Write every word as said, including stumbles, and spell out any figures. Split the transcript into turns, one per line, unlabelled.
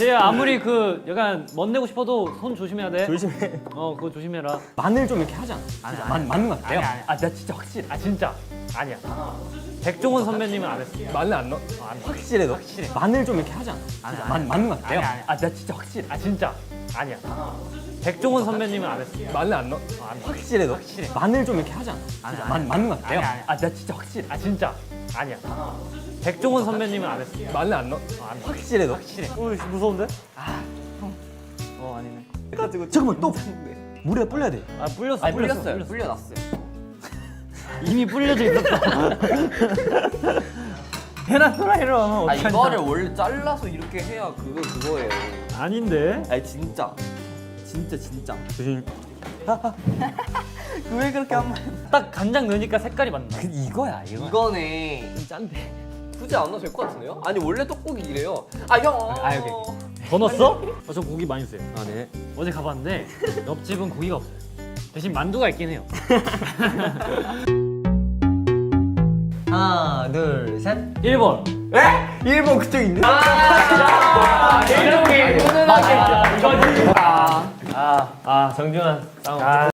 제가 아무리 그 약간 멋내고 싶어도 손 조심해야 돼.
조심해.
어 그거 조심해라.
마늘 좀 이렇게 하지 않아?
아니,
진짜
아니,
맞,
아니.
맞는 것 같아요?
아니, 아니.
아, 나 진짜 확실해.
아 진짜 아니야. 백종원 선배님은 안 했어.
마늘 안 넣어?
안 해.
확실해 너?
확실해.
마늘 좀 이렇게 하지 않아?
아니,
진짜
아니.
맞, 맞는 것 같아요?
아니, 아니.
아, 나 진짜 확실해.
아 진짜 아니야. 백종원 선배님은 안 했어.
마늘 안 넣어?
안 해.
확실해 너?
확실해.
마늘 좀 이렇게 하지 않아?
아니,
진짜
아니.
맞, 맞는 것 같아요?
아니, 아니.
아, 나 진짜 확실해.
아 진짜 아니야. 백종원 선배님은 안 했어.
마늘 안 넣어?
안 해.
확실해 너?
확실해.
어, 무서운데?
어 아니네.
해가지고 잠깐만 또 물에 불려야 돼.
아 불렸어.
아니
불렸어.
불렸어요.
불렸어.
불려놨어요.
이미 불려져 있었어. 해놨더라 이러.
아 이거를 원래 잘라서 이렇게 해야 그거 그거예요.
아닌데.
아니 진짜. 진짜 진짜.
조심.
왜 그렇게 한 번?
딱 간장 넣으니까 색깔이 맞나?
그 이거야 이거.
이거네.
좀 짠데.
굳이 안 넣어도 될 것 같은데요? 아니 원래 떡국이 이래요. 아 형.
아, 여기.
더 넣었어? 어, 저 고기 많이 써요.
아 네.
어제 가봤는데 옆집은 고기가 없어요. 대신 만두가 있긴 해요.
하나 둘 셋.
일 번.
일본 그쪽 있네.
이렇게 훈훈하게. 아, 이거 아, 아 정준환. 아,